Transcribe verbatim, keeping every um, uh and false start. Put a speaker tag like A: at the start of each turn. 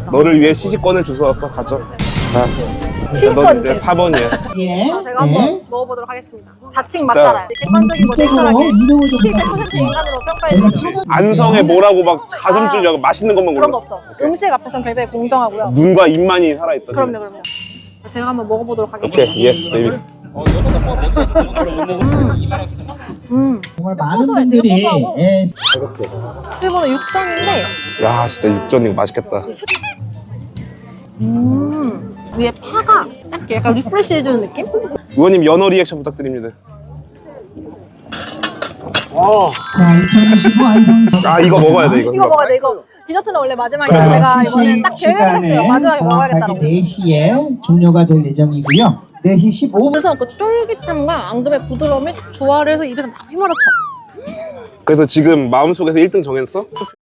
A: 너를 위해 시식권을 주워왔어. 가져. 자,
B: 시식권
A: 이제 사 번이야.
C: 예.
B: 자, 제가 한번
C: 네.
B: 먹어보도록 하겠습니다. 자칭 맛잘알. 객관적이고
C: 본격적으로
B: 냉철하게
C: 이동을 좀
B: 백 퍼센트 인간으로 평가해주세요.
A: 안성에 뭐라고 막 가슴 찔려 맛있는 것만
B: 그런 거
A: 골라.
B: 없어. 음식 앞에서는 굉장히 공정하고요.
A: 눈과 입만이 살아있다.
B: 그럼요, 그럼요. 제가 한번 먹어보도록 하겠습니다.
A: 오케이, 예스, 베이비.
B: 음,
C: 정말 많은
B: 고소해,
C: 분들이
B: 되게 고소하고.
C: 예,
B: 일본은 육전인데
A: 야, 진짜 육전 이거 맛있겠다.
B: 음, 위에 파가 싹 약간 리프레시 해주는 느낌?
A: 의원님 연어 리액션 부탁드립니다.
C: 자, 이천이십오 안성시
A: 아, 이거 먹어야 돼, 이거.
B: 이거 먹어야 돼, 이거. 디저트는 원래 마지막에
A: 자,
B: 제가
C: 시식
B: 이거는 딱 계획을
C: 시간은
B: 했어요. 마지막에 먹어야겠다고.
C: 정확하게 네 시에 종료가 될 예정이고요. 네 시 십오 분
B: 그래서 그 쫄깃함과 앙금의 부드러움이 조화를 해서 입에서 막 휘몰아쳐.
A: 그래서 지금 마음속에서 일 등 정했어?